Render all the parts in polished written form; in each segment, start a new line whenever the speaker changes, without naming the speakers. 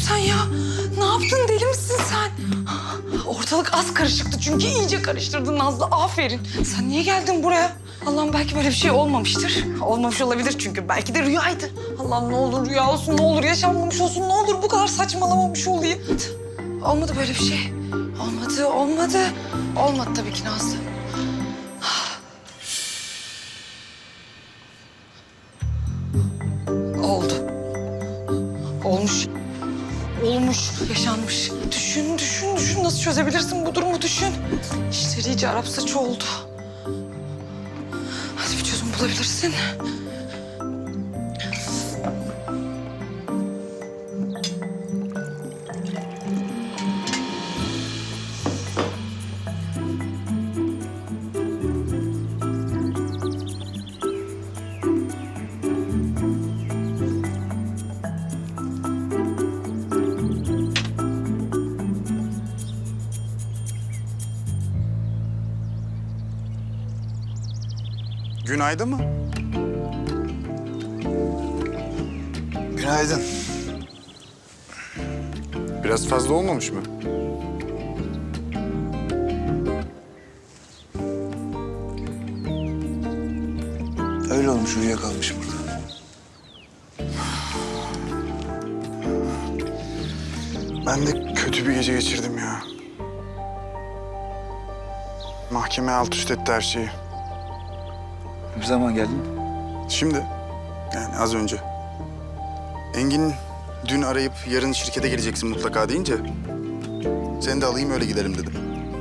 sen ya? Ne yaptın, deli misin sen? Ortalık az karışıktı çünkü iyice karıştırdın Nazlı. Aferin. Sen niye geldin buraya? Allah'ım belki böyle bir şey olmamıştır. Olmamış olabilir çünkü. Belki de rüyaydı. Allah'ım ne olur rüya olsun, ne olur yaşanmamış olsun, ne olur bu kadar saçmalamamış olayım. Olmadı böyle bir şey. Olmadı. Olmadı tabii ki Nazlı. Oldu. Olmuş, yaşanmış. Düşün. Nasıl çözebilirsin bu durumu düşün. İşleri iyice Arap saçı oldu. Hadi bir çözüm bulabilirsin.
Günaydın mı?
Günaydın.
Biraz fazla olmamış mı?
Öyle olmuş, uyuyakalmışım burada.
Ben de kötü bir gece geçirdim ya. Mahkeme alt üst etti her şeyi.
Ne zaman geldin?
Şimdi, yani az önce. Engin dün arayıp yarın şirkete geleceksin mutlaka deyince... ...seni de alayım öyle gidelim dedim.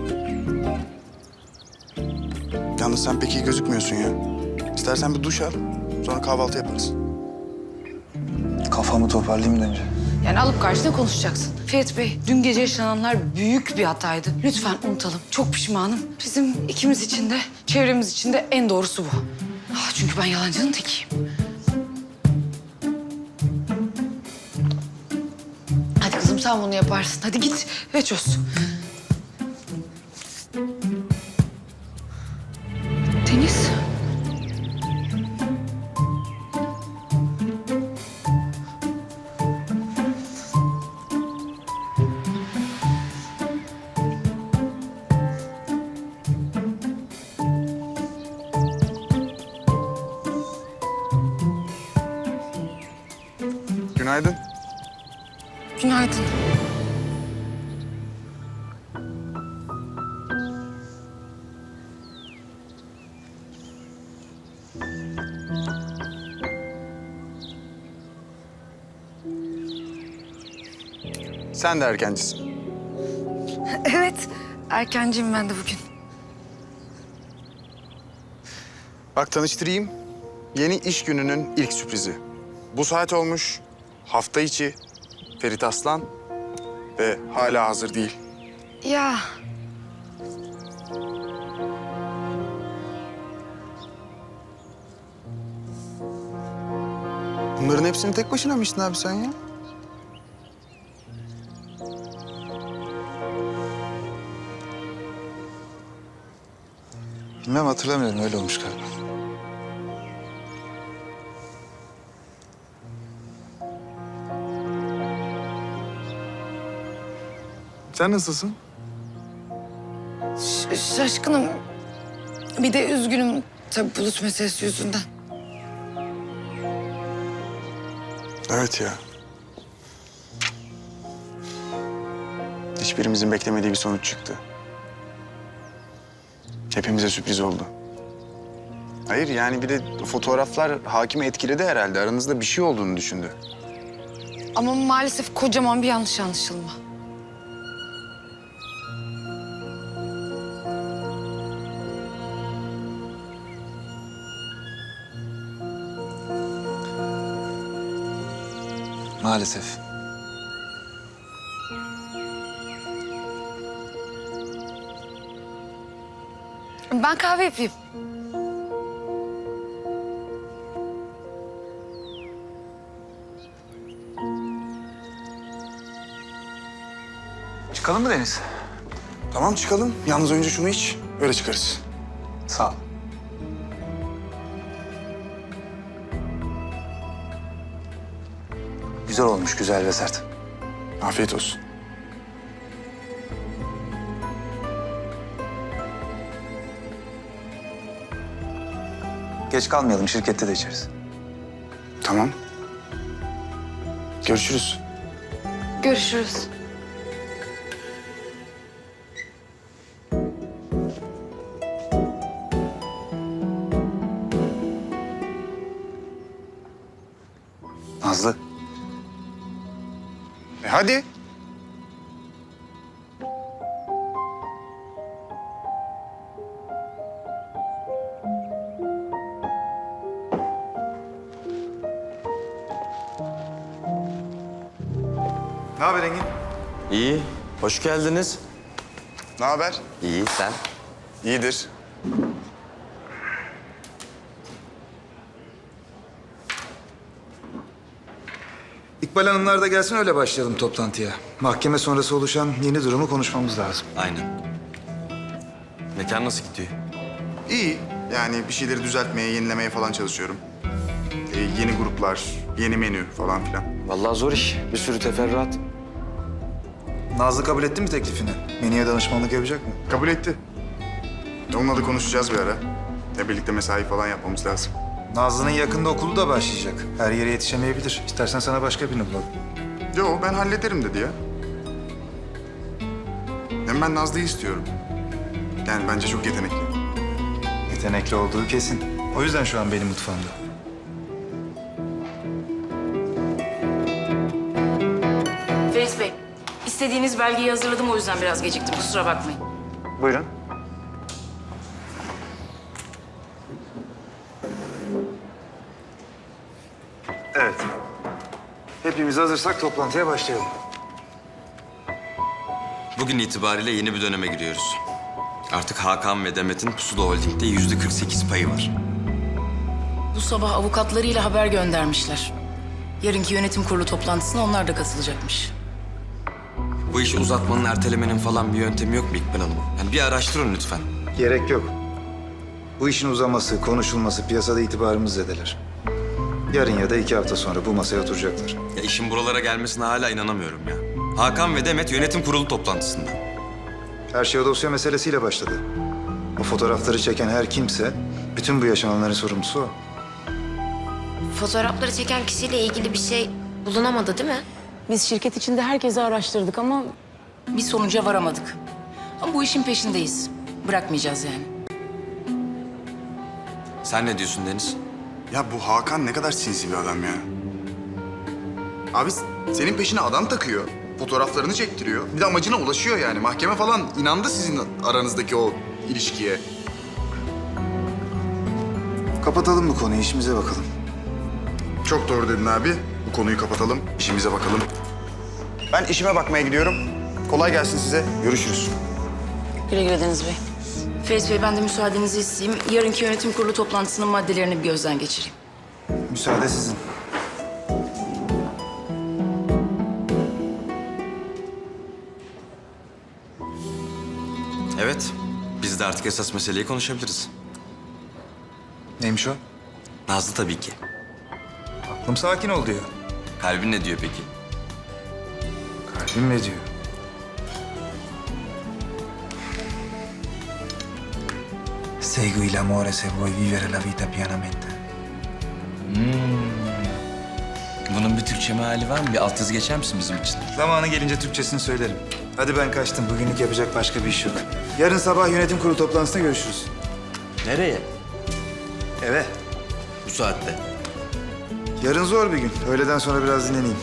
Yalnız sen pek iyi gözükmüyorsun ya. İstersen bir duş al, sonra kahvaltı yaparız.
Kafamı toparlayayım önce.
Yani alıp karşına konuşacaksın. Ferit Bey, dün gece yaşananlar büyük bir hataydı. Lütfen unutalım. Çok pişmanım. Bizim ikimiz için de, çevremiz için de en doğrusu bu. Çünkü ben yalancının tekiyim. Hadi kızım sen bunu yaparsın. Hadi git ve çöz. Deniz.
Günaydın.
Günaydın.
Sen de erkencisin.
Evet, erkenciyim ben de bugün.
Bak tanıştırayım. Yeni iş gününün ilk sürprizi. Bu saat olmuş, hafta içi, Ferit Aslan ve hala hazır değil.
Ya
Bunların hepsini tek başına mı içtin abi sen ya?
Bilmem, hatırlamıyorum, öyle olmuş galiba.
Sen nasılsın?
şaşkınım. Bir de üzgünüm tabii bulut meselesi yüzünden.
Evet ya. Hiçbirimizin beklemediği bir sonuç çıktı. Hepimize sürpriz oldu. Hayır yani bir de fotoğraflar hakimi etkiledi herhalde. Aranızda bir şey olduğunu düşündü.
Ama maalesef kocaman bir yanlış anlaşılma.
Maalesef.
Ben kahve yapayım.
Çıkalım mı Deniz?
Tamam çıkalım. Yalnız önce şunu iç. Öyle çıkarız.
Sağ ol. Güzel olmuş, güzel ve sert.
Afiyet olsun.
Geç kalmayalım, şirkette de içeriz.
Tamam. Görüşürüz.
Görüşürüz.
Nazlı,
Hadi.
ne haber Engin?
İyi, hoş geldiniz.
Ne haber?
İyi, sen?
İyidir.
İkbal Hanımlar da gelsin, öyle başlayalım toplantıya. Mahkeme sonrası oluşan yeni durumu konuşmamız lazım.
Aynen. Mekan nasıl gidiyor?
İyi. Yani bir şeyleri düzeltmeye, yenilemeye falan çalışıyorum. Yeni gruplar, yeni menü falan filan.
Vallahi zor iş, bir sürü teferruat.
Nazlı kabul etti mi teklifini? Menüye danışmanlık yapacak mı?
Kabul etti. Onunla da konuşacağız bir ara. Birlikte mesai falan yapmamız lazım.
Nazlı'nın yakında okulu da başlayacak. Her yere yetişemeyebilir. İstersen sana başka birini bulalım.
Yo, ben hallederim dedi ya. Hem ben Nazlı'yı istiyorum. Yani bence çok yetenekli.
Yetenekli olduğu kesin. O yüzden şu an benim mutfağımda.
Feris Bey, istediğiniz belgeyi hazırladım, o yüzden biraz geciktim. Kusura bakmayın.
Buyurun. Evet. Hepimiz hazırsak toplantıya başlayalım.
Bugün itibariyle yeni bir döneme giriyoruz. Artık Hakan ve Demet'in Pusula Holding'de %48 payı var.
Bu sabah avukatlarıyla haber göndermişler. Yarınki yönetim kurulu toplantısına onlar da katılacakmış.
Bu işi uzatmanın, ertelemenin falan bir yöntemi yok mu İkbal Hanım? Yani bir araştırın lütfen.
Gerek yok. Bu işin uzaması, konuşulması piyasada itibarımız zedeler. Yarın ya da 2 hafta sonra bu masaya oturacaklar.
Ya işin buralara gelmesine hala inanamıyorum ya. Hakan ve Demet yönetim kurulu toplantısında.
Her şey o dosya meselesiyle başladı. O fotoğrafları çeken her kimse, bütün bu yaşananların sorumlusu o.
Fotoğrafları çeken kişiyle ilgili bir şey bulunamadı değil mi?
Biz şirket içinde herkesi araştırdık ama bir sonuca varamadık. Ama bu işin peşindeyiz. Bırakmayacağız yani.
Sen ne diyorsun Deniz?
Ya bu Hakan ne kadar sinsi bir adam ya. Abi senin peşine adam takıyor. Fotoğraflarını çektiriyor. Bir de amacına ulaşıyor yani. Mahkeme falan inandı sizin aranızdaki o ilişkiye.
Kapatalım bu konuyu, işimize bakalım.
Çok doğru dedin abi. Bu konuyu kapatalım, işimize bakalım. Ben işime bakmaya gidiyorum. Kolay gelsin size. Görüşürüz.
Güle güle Deniz Bey. Feris Bey, ben de müsaadenizi isteyeyim. Yarınki yönetim kurulu toplantısının maddelerini bir gözden geçireyim.
Müsaade sizin.
Evet, biz de artık esas meseleyi konuşabiliriz.
Neymiş o?
Nazlı tabii ki.
Aklım sakin ol diyor.
Kalbin ne diyor peki?
Kalbim ne diyor? Segui l'amore se vuoi vivere la vita pianamente.
Bunun bir Türkçe meali var mı? Bir alt yazı geçer misin bizim için?
Zamanı gelince Türkçesini söylerim. Hadi ben kaçtım. Bugünlük yapacak başka bir iş yok. Yarın sabah yönetim kurulu toplantısında görüşürüz.
Nereye?
Eve.
Bu saatte.
Yarın zor bir gün. Öğleden sonra biraz dinleneyim.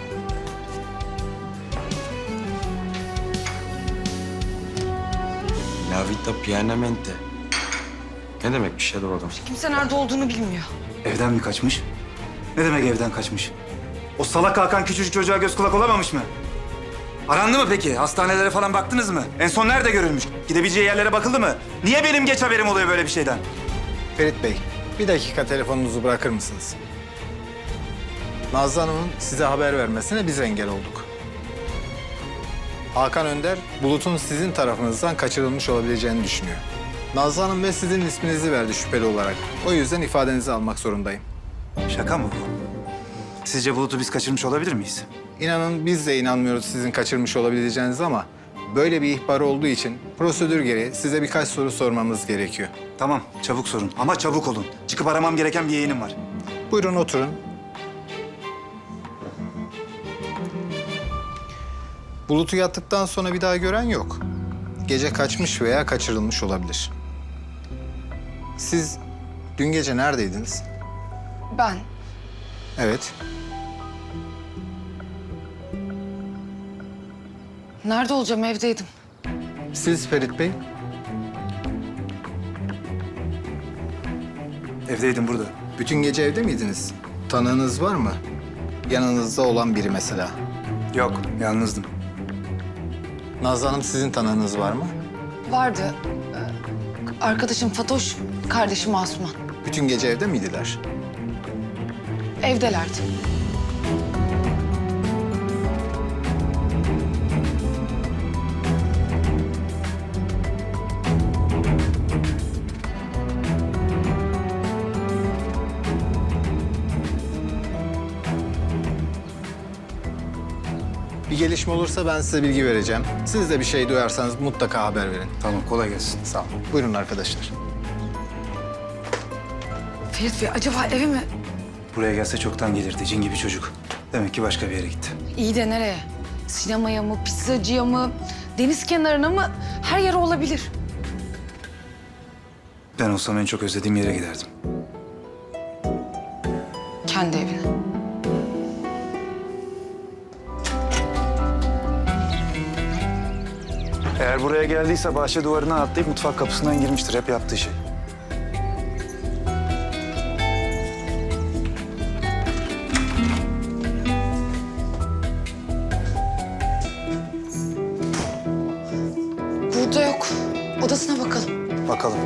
La vita pianamente. Ne demekmiş ya da o adam?
Kimse nerede olduğunu bilmiyor.
Evden mi kaçmış? Ne demek evden kaçmış? O salak Hakan küçücük çocuğa göz kulak olamamış mı? Arandı mı peki? Hastanelere falan baktınız mı? En son nerede görülmüş? Gidebileceği yerlere bakıldı mı? Niye benim geç haberim oluyor böyle bir şeyden?
Ferit Bey, bir dakika telefonunuzu bırakır mısınız? Nazlı Hanım'ın size haber vermesine biz engel olduk. Hakan Önder, Bulut'un sizin tarafınızdan kaçırılmış olabileceğini düşünüyor. Nazlı Hanım ve sizin isminizi verdi şüpheli olarak. O yüzden ifadenizi almak zorundayım.
Şaka mı bu? Sizce Bulut'u biz kaçırmış olabilir miyiz?
İnanın biz de inanmıyoruz sizin kaçırmış olabileceğiniz ama böyle bir ihbar olduğu için prosedür gereği size birkaç soru sormamız gerekiyor.
Tamam, çabuk sorun ama çabuk olun. Çıkıp aramam gereken bir yeğenim var.
Buyurun oturun. Bulut'u yattıktan sonra bir daha gören yok. Gece kaçmış veya kaçırılmış olabilir. Siz dün gece neredeydiniz?
Ben
Evet.
nerede olacağım? Evdeydim.
Siz Ferit Bey?
Evdeydim burada.
Bütün gece evde miydiniz? Tanığınız var mı? Yanınızda olan biri mesela.
Yok, yalnızdım.
Nazlı Hanım sizin tanığınız var mı?
Vardı. Arkadaşım Fatoş, kardeşim Asuman.
Bütün gece evde miydiler?
Evdelerdi.
Bir gelişme olursa ben size bilgi vereceğim. Siz de bir şey duyarsanız mutlaka haber verin.
Tamam, kolay gelsin.
Sağ olun. Buyurun arkadaşlar.
Ferit Bey acaba eve mi?
Buraya gelse çoktan gelirdi, cin gibi çocuk. Demek ki başka bir yere gitti.
İyi de nereye? Sinemaya mı, pizzacıya mı, deniz kenarına mı? Her yere olabilir.
Ben olsam en çok özlediğim yere giderdim.
Kendi evine.
Eğer buraya geldiyse bahçe duvarına atlayıp mutfak kapısından girmiştir. Hep yaptığı şey.
Burada yok. Odasına bakalım.
Bakalım.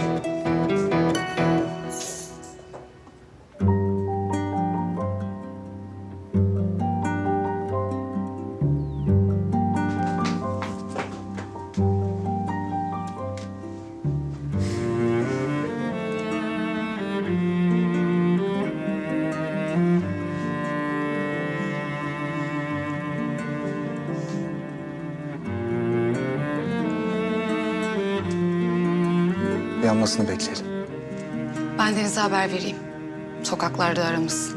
Yanmasını bekleyelim.
Ben Deniz'e haber vereyim. Sokaklarda aramız.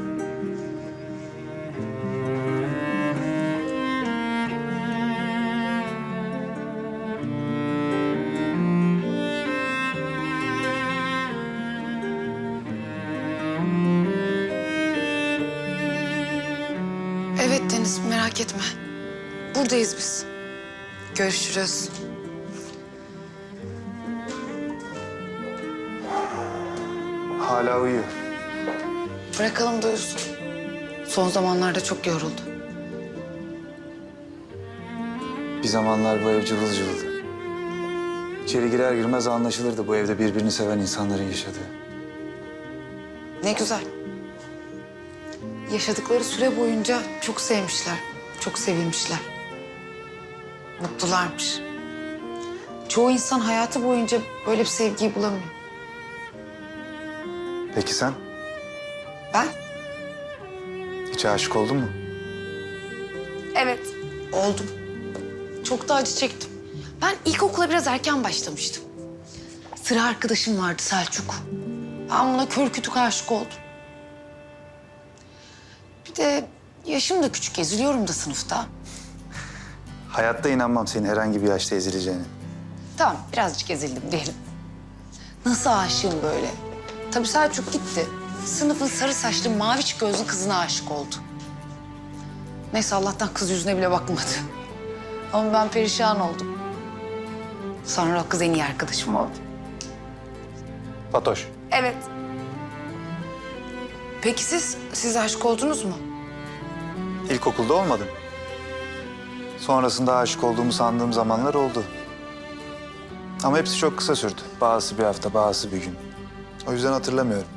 Evet Deniz, merak etme. Buradayız biz. Görüşürüz.
Hala uyuyor.
Bırakalım da uyusun. Son zamanlarda çok yoruldu.
Bir zamanlar bu ev cıvıl cıvıldı. İçeri girer girmez anlaşılırdı bu evde birbirini seven insanların yaşadığı.
Ne güzel. Yaşadıkları süre boyunca çok sevmişler, çok sevilmişler. Mutlularmış. Çoğu insan hayatı boyunca böyle bir sevgiyi bulamıyor.
Peki sen?
Ben?
Hiç aşık oldun mu?
Evet, oldum. Çok da acı çektim. Ben ilkokula biraz erken başlamıştım. Sıra arkadaşım vardı Selçuk. Ben buna kör kütük aşık oldum. Bir de yaşım da küçük, eziliyorum da sınıfta.
Hayatta inanmam senin herhangi bir yaşta ezileceğine.
Tamam, birazcık ezildim diyelim. Nasıl aşığım böyle? Tabii Selçuk gitti. Sınıfın sarı saçlı, maviç gözlü kızına aşık oldu. Neyse Allah'tan kız yüzüne bile bakmadı. Ama ben perişan oldum. Sonra o kız en iyi arkadaşım oldu.
Fatoş.
Evet. Peki siz aşık oldunuz mu?
İlkokulda olmadım. Sonrasında aşık olduğumu sandığım zamanlar oldu. Ama hepsi çok kısa sürdü. Bazısı bir hafta, bazısı bir gün. O yüzden hatırlamıyorum.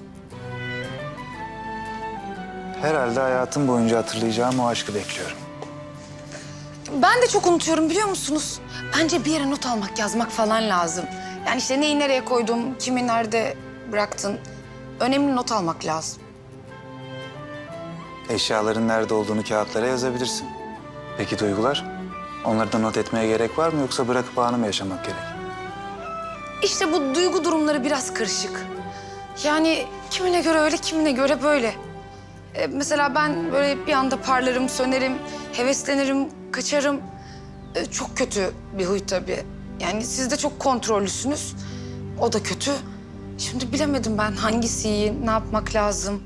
Herhalde hayatım boyunca hatırlayacağım o aşkı bekliyorum.
Ben de çok unutuyorum biliyor musunuz? Bence bir yere not almak, yazmak falan lazım. Yani işte neyi nereye koydum, kimi nerede bıraktın. Önemli not almak lazım.
Eşyaların nerede olduğunu kağıtlara yazabilirsin. Peki duygular? Onları da not etmeye gerek var mı yoksa bırakıp anı mı yaşamak gerek?
İşte bu duygu durumları biraz karışık. Yani kimine göre öyle, kimine göre böyle. Mesela ben böyle bir anda parlarım, sönerim, heveslenirim, kaçarım. Çok kötü bir huy tabii. Yani siz de çok kontrollüsünüz. O da kötü. Şimdi bilemedim ben hangisi iyi, ne yapmak lazım.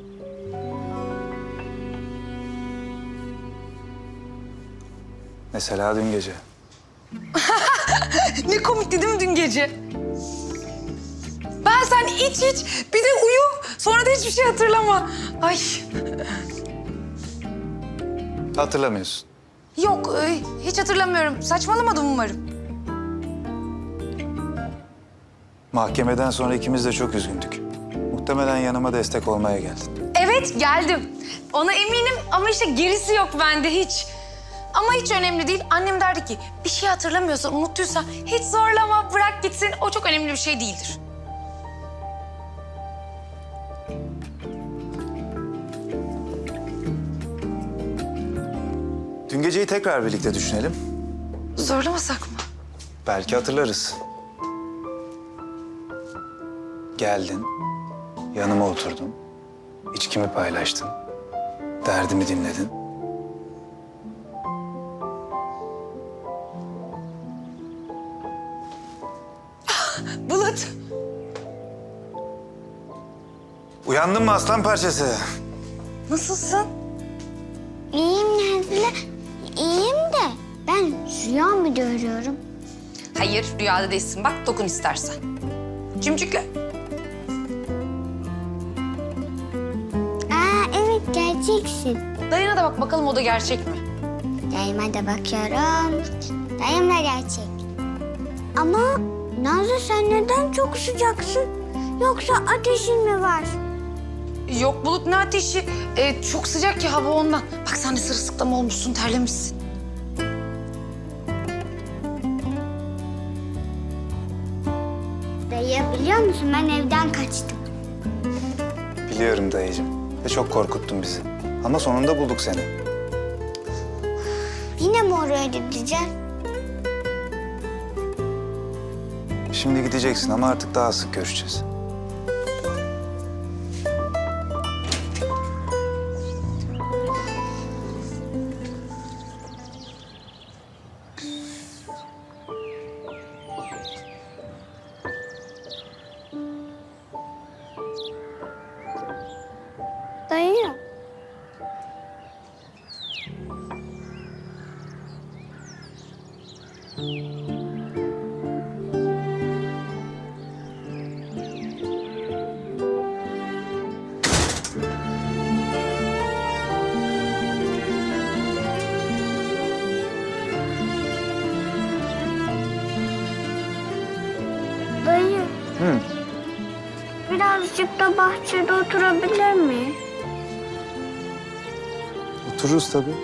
Mesela dün gece.
Ne komikti değil mi dün gece? Ben sen iç bir de uyu. Sonra da hiçbir şey hatırlama. Ay
Hatırlamıyorsun.
yok hiç hatırlamıyorum. Saçmalamadım umarım.
Mahkemeden sonra ikimiz de çok üzgündük. Muhtemelen yanıma destek olmaya geldin.
Evet geldim. Ona eminim ama işte gerisi yok bende hiç. Ama hiç önemli değil. Annem derdi ki bir şey hatırlamıyorsan, unuttuysan hiç zorlama, bırak gitsin. O çok önemli bir şey değildir.
Dün geceyi tekrar birlikte düşünelim.
Zorlamasak mı?
Belki hatırlarız. Geldin, yanıma oturdun, içkimi paylaştın, derdimi dinledin.
Bulut.
Uyandın mı aslan parçası?
Nasılsın?
İyiyim Nazlı. İyiyim de ben rüya mı görüyorum?
Hayır, rüyada değilsin. Bak, dokun istersen. Cimcikle.
Aa evet gerçeksin.
Dayına da bak bakalım o da gerçek mi?
Dayıma da bakıyorum. Dayım da gerçek. Ama Nazlı sen neden çok sıcaksın? Yoksa ateşin mi var?
Yok Bulut, ne ateşi? Çok sıcak ya hava ondan. Bak sen de sırılsıklam olmuşsun, terlemişsin.
Dayı biliyor musun ben evden kaçtım.
Biliyorum dayıcığım. Ve çok korkuttun bizi. Ama sonunda bulduk seni.
Yine mi oraya gideceğiz?
Şimdi gideceksin ama artık daha sık görüşeceğiz.
Dayı. Dayı.
Hı.
Birazcık da bahçede oturabilir miyiz?
Otururuz tabii.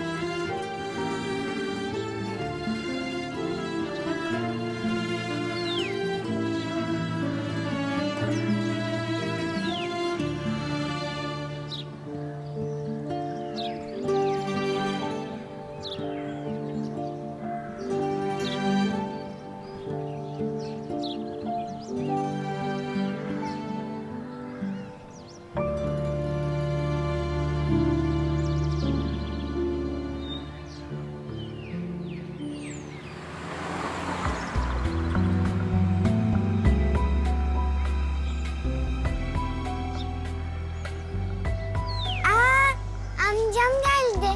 Amcam geldi.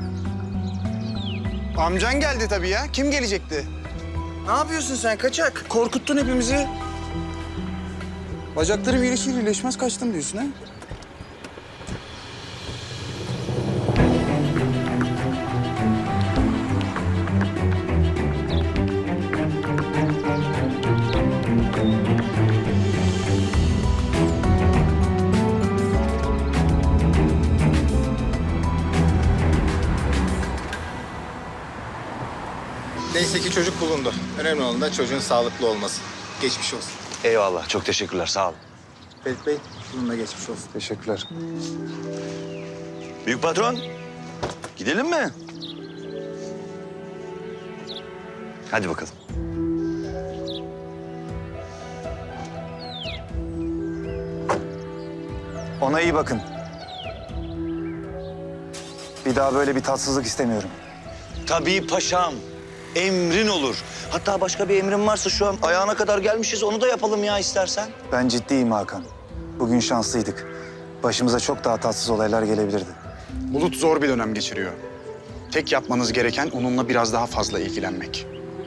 Amcan geldi tabii ya. Kim gelecekti? Ne yapıyorsun sen kaçak? Korkuttun hepimizi. Bacaklarım iyileşir iyileşmez kaçtım diyorsun ha?
Neyse ki çocuk bulundu. Önemli olan da çocuğun sağlıklı olması. Geçmiş olsun.
Eyvallah. Çok teşekkürler. Sağ olun.
Ferit Bey, bununla geçmiş olsun.
Teşekkürler.
Büyük patron, gidelim mi? Hadi bakalım.
Ona iyi bakın. Bir daha böyle bir tatsızlık istemiyorum.
Tabii paşam. Emrin olur. Hatta başka bir emrin varsa şu an ayağına kadar gelmişiz. Onu da yapalım ya istersen.
Ben ciddiyim Hakan. Bugün şanslıydık. Başımıza çok daha tatsız olaylar gelebilirdi.
Bulut zor bir dönem geçiriyor. Tek yapmanız gereken onunla biraz daha fazla ilgilenmek.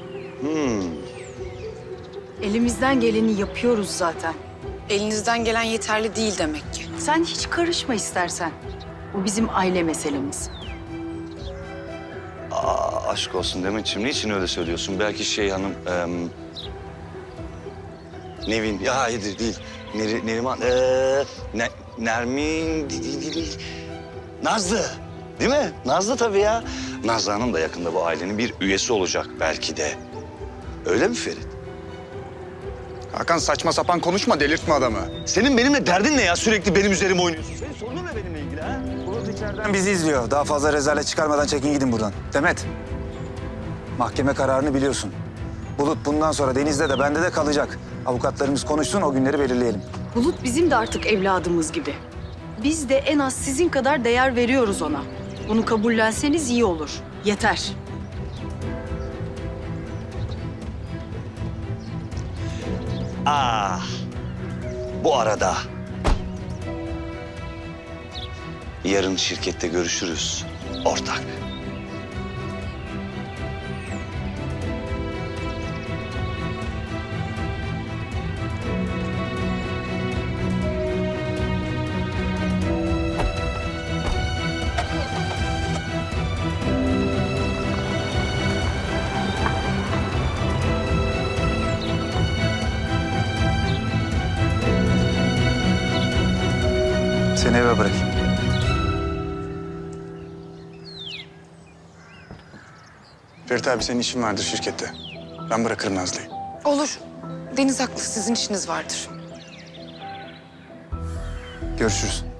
Elimizden geleni yapıyoruz zaten.
Elinizden gelen yeterli değil demek ki.
Sen hiç karışma istersen. Bu bizim aile meselemiz.
Aşk olsun Demetciğim. Niçin öyle söylüyorsun? Belki şey hanım... Nevin. Ya hayır değil. Neriman. Nermin... değil. Nazlı. Değil mi? Nazlı tabii ya. Nazlı Hanım da yakında bu ailenin bir üyesi olacak belki de. Öyle mi Ferit?
Hakan saçma sapan konuşma, delirtme adamı.
Senin benimle derdin ne ya? Sürekli benim üzerime oynuyorsun. Senin sorunun ne benimle ilgili ha?
Bulut içeriden bizi izliyor. Daha fazla rezalet çıkarmadan çekin gidin buradan. Demet, mahkeme kararını biliyorsun. Bulut bundan sonra Deniz'de de bende de kalacak. Avukatlarımız konuşsun, o günleri belirleyelim.
Bulut bizim de artık evladımız gibi. Biz de en az sizin kadar değer veriyoruz ona. Bunu kabullenseniz iyi olur. Yeter.
Bu arada... Yarın şirkette görüşürüz. Ortak.
Seni eve bırakayım.
Ferit abi senin işin vardır şirkette. Ben bırakırım Nazlı'yı.
Olur. Deniz haklı, sizin işiniz vardır.
Görüşürüz.